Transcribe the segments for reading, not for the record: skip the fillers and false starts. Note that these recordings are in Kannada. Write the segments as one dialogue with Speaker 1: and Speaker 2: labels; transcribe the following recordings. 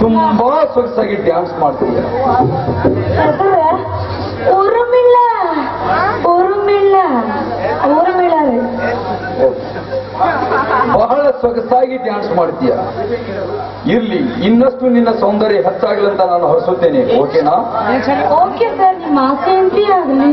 Speaker 1: ತುಂಬಾ ಸೊಗಸಾಗಿ ಡ್ಯಾನ್ಸ್ ಮಾಡ್ತೀಯ.
Speaker 2: ಊರುಮಿಲ್ಲ ಊರುಮಿಲ್ಲ ಊರುಮಿಲ್ಲ
Speaker 1: ಬಹಳ ಸೊಗಸಾಗಿ ಡ್ಯಾನ್ಸ್ ಮಾಡ್ತೀಯ. ಇರ್ಲಿ, ಇನ್ನಷ್ಟು ನಿನ್ನ ಸೌಂದರ್ಯ ಹೆಚ್ಚಾಗಲಿ ಅಂತ ನಾನು ಹರಿಸುತ್ತೇನೆ. ಓಕೆನಾ?
Speaker 2: ಓಕೆ ಸರ್, ನಿಮ್ಮ ಆಸೆ ಎಂತಿ ಆಗಲಿ.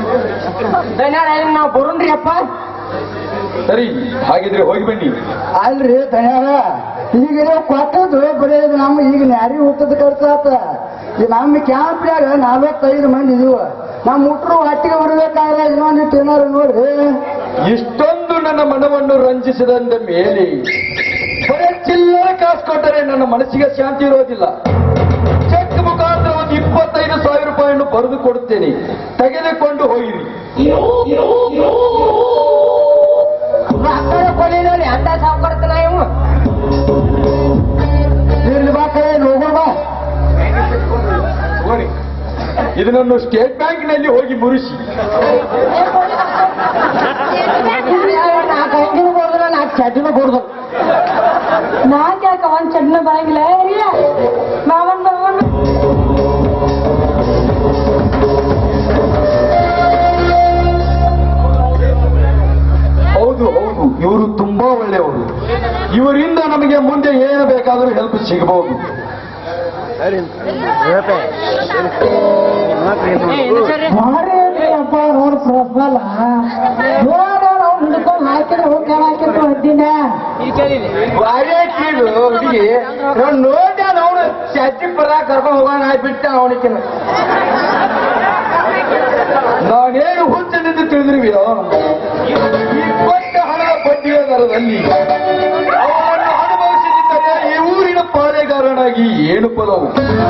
Speaker 3: ನಾವು ಬರೋಣ್ರಿ ಅಪ್ಪ.
Speaker 1: ಸರಿ, ಹಾಗಿದ್ರೆ ಹೋಗಿ ಬನ್ನಿ.
Speaker 3: ಅಲ್ರಿ ತಯಾರ ಈಗ ನೀವು ಕೊಟ್ಟದ್ದು ಬರೀ ನಮ್ಮ ಈಗ ನ್ಯಾರಿ ಹುಟ್ಟದ ಖರ್ಚಾತ. ಈ ನಮ್ಮ ಕ್ಯಾಂಪ್ನ್ಯಾಗ 45 ಮಂದಿ ಇದೀವ. ನಮ್ಮ ಮುಟ್ರು ಒಟ್ಟಿಗೆ ಬರ್ಬೇಕಾದ್ರೆ ಇನ್ನೊಂದಿಟ್ಟು ಏನಾರು ನೋಡ್ರಿ.
Speaker 1: ಇಷ್ಟೊಂದು ನನ್ನ ಮನವನ್ನು ರಂಜಿಸಿದಂದ ಮೇಲೆ ಬರೀ ಚಿಲ್ಲರೆ ಕಾಸು ಕೊಟ್ಟರೆ ನನ್ನ ಮನಸ್ಸಿಗೆ ಶಾಂತಿ ಇರೋದಿಲ್ಲ. ಚೆಕ್ ಮುಖಾಂತರ ಒಂದು 25,000 ರೂಪಾಯಿಯನ್ನು ಬರೆದು ಕೊಡುತ್ತೇನೆ, ತೆಗೆದುಕೊಂಡು ಹೋಗಿರಿ.
Speaker 3: ಕೊಡಿರಿ ಅಂತ ಸಾವುಕಾರತನ ಇವು ಇರ್ಲಿ ಬಾ ಕಡೆ ಹೋಗೋಣ ಬಾ.
Speaker 1: ಇದನ್ನು ಸ್ಟೇಟ್ ಬ್ಯಾಂಕ್ನಲ್ಲಿ ಹೋಗಿ ಮುರಿಸಿ.
Speaker 3: ನಾಲ್ಕು ಅಂಗಿನೂ ಕೊಡಿದ್ರೆ 4 ಚಡ್ಡಿನೂ ಕೊಡ್ದು.
Speaker 2: ನಾಕ್ ಯಾಕ ಒಂದ್ ಚಡ್ನ ಬರಂಗಿಲ್ಲ. ಮಾವನ್ ಮಾವನ್
Speaker 1: ಹೌದು ಹೌದು, ಇವರು ತುಂಬಾ ಒಳ್ಳೆಯವರು. ಇವರಿಂದ ನಮಗೆ ಮುಂದೆ ಏನು ಬೇಕಾದರೂ ಹೆಲ್ಪ್ ಸಿಗಬಹುದು.
Speaker 3: ಅಪ್ಪ ನೋಡ್ ಪ್ರಬಲ ಹಿಡ್ಕೊಂಡು ಹಾಕಿದ್ರೆ ಹೋಗಿ ಹಾಕಿದ್ರು ಹದ್ದಿನ ಹುಡುಗಿ ನೋಡಿ ಅವನು ಚಟ್ಟಿ ಪರ ಕರ್ಕೊಂಡು ಹೋಗೋಣ ಆಗ್ಬಿಟ್ಟ ಅವನಿಗೆ.
Speaker 1: ನಾನೇನು ಹುಚ್ಚನೆಂದು ತಿಳಿದಿರುವೆಯೋ, ಈ ಕೊಟ್ಟ ಹಣದ ಬಡ್ಡಿಯ ದರದಲ್ಲಿ ಅವರನ್ನು ಅನುಭವಿಸಿದ್ದರೆ ಈ ಊರಿನ ಪಾಳೆಗಾರನಾಗಿ ಏನು ಪದವು.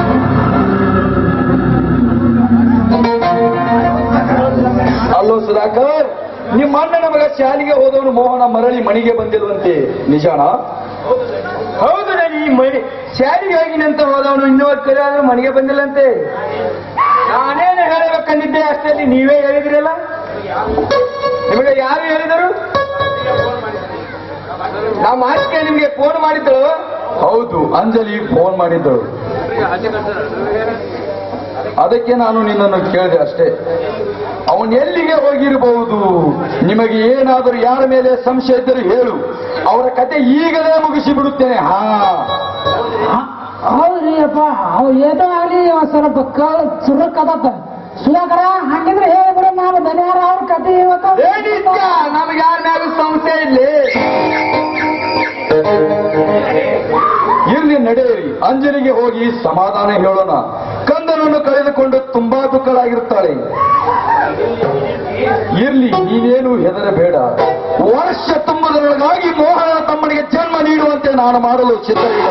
Speaker 1: ಅಲ್ಲೋ ಸುಧಾಕರ್, ನಿಮ್ಮ ಅಣ್ಣನ ಮಗ ಶಾಲೆಗೆ ಹೋದವನು ಮೋಹನ ಮರಳಿ ಮನೆಗೆ ಬಂದಿರುವಂತೆ ನಿಜಾಣ?
Speaker 3: ಹೌದು, ನಾನು ಈ ಮನೆ ಶಾಲೆಗೆ ಹೋಗಿನಂತ ಹೋದವನು ಇನ್ನೂ ಕರೆ ಆದ್ರೂ ಮನೆಗೆ ಬಂದಿಲ್ಲಂತೆ. ನಾನೇನು ಹೇಳಬೇಕಂದಿದ್ದೆ ಅಷ್ಟೇ, ನೀವೇ ಹೇಳಿದ್ರಲ್ಲ. ನಿಮಗೆ ಯಾರು ಹೇಳಿದರು? ನಾವು ಮಾತಿಗೆ ನಿಮ್ಗೆ ಫೋನ್ ಮಾಡಿದ್ದಳು.
Speaker 1: ಹೌದು, ಅಂಜಲಿ ಫೋನ್ ಮಾಡಿದ್ದಳು. ಅದಕ್ಕೆ ನಾನು ನಿನ್ನನ್ನು ಕೇಳಿದೆ ಅಷ್ಟೇ. ಅವನು ಎಲ್ಲಿಗೆ ಹೋಗಿರಬಹುದು? ನಿಮಗೆ ಏನಾದರೂ ಯಾರ ಮೇಲೆ ಸಂಶಯ ಇದ್ದರೂ ಹೇಳು, ಅವರ ಕತೆ ಈಗಲೇ ಮುಗಿಸಿ ಬಿಡುತ್ತೇನೆ.
Speaker 3: ಹೌದ್ರಿ ಅಪ್ಪ, ಅವ್ ಏನೋ ಆಗ್ಲಿ ಸ್ವಲ್ಪ ಚುರುಕದಪ್ಪ ಸುಧಾಕರ. ಹಂಗಿದ್ರೆ ಹೇಳಿದ್ರೆ ನಾವು ದನಿಯಾರ ಅವ್ರ ಕತೆ ನಮ್ಗೆ ಯಾರ ಮ್ಯಾಗ ಸಂಶಯ ಇಲ್ಲಿ.
Speaker 1: ಇರ್ಲಿ, ನಡೆಯಿರಿ. ಅಂಜಲಿಗೆ ಹೋಗಿ ಸಮಾಧಾನ ಹೇಳೋಣ. ಕಂದನನ್ನು ಕಳೆದುಕೊಂಡು ತುಂಬಾ ದುಃಖಳಾಗಿರುತ್ತಾಳೆ. ಇರ್ಲಿ, ನೀನೇನು ಹೆದರಬೇಡ. ವರ್ಷ ತುಂಬುವುದರೊಳಗಾಗಿ ಮೋಹನ ತಮ್ಮನಿಗೆ ಜನ್ಮ ನೀಡುವಂತೆ ನಾನು ಮಾಡಲು ಸಿದ್ಧವಿಲ್ಲ.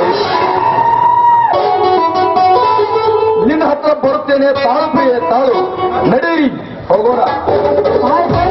Speaker 1: ನಿನ್ನ ಹತ್ರ ಬರುತ್ತೇನೆ. ತಾಳು ಪ್ರಿಯೆ, ತಾಳು. ನಡೆಯಿರಿ, ಹೋಗೋಣ.